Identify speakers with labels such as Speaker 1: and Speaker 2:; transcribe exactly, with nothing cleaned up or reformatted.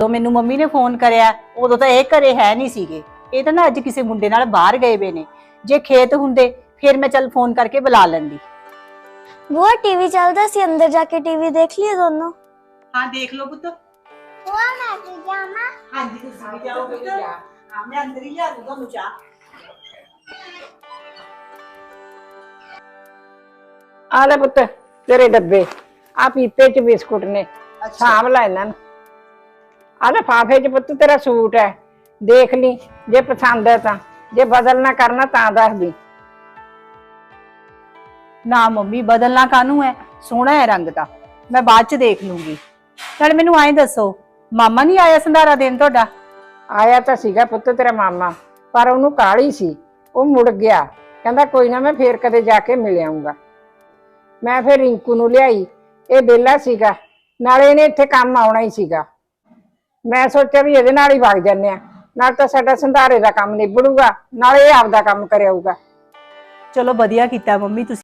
Speaker 1: तो मैनू मम्मी ने फोन करया उदों तो ये घरे है नहीं सीगे। ये तो ना अज किसी मुंडे नाल बाहर गए वे ने। जे खेत हुंदे फिर मैं चल फोन करके बुला लैंदी।
Speaker 2: बुआ टीवी चलता सी, अंदर जाके टीवी देख लिए दोनों।
Speaker 1: हाँ देख लो पुत्र।
Speaker 2: बुआ मैं भी जामा।
Speaker 1: हाँ जी तुसी भी जाओ पुत्र। हां मैं अंदर ही ला दूंगा मुझा।
Speaker 3: आ ले पुत्र तेरे डब्बे, आ पीपे च बिस्कुट ने, साम ला इन्हां नूं। आ लिफाफे च पुत्त तेरा सूट है, देख ली जे पसंद है तां, जे बदलना करना तां दस दी।
Speaker 1: ना मम्मी बदलना कानू है, सोहना है रंग दा, मैं बाद च देख लूंगी। नाले मैनू आए दसो मामा नहीं आया संधारा देन तुहाडा?
Speaker 3: आया तां सीगा पुत्त तेरा मामा, पर ओनू काहली सी, ओ मुड़ गया, कहंदा कोई ना मैं फेर कदे जाके मिल आऊंगा। मैं फिर रिंकू नूं लियाई, ये बेला सीगा, नाले इहने इत्थे काम आउणा ही सीगा। मैं सोचा भी इहदे नाल ही वग जन्ने आ, नाल तां साडा संधारे दा काम निबड़ूगा, नाले इह आपदा काम करे आऊगा।
Speaker 1: चलो वधिया कीता मम्मी तुसी।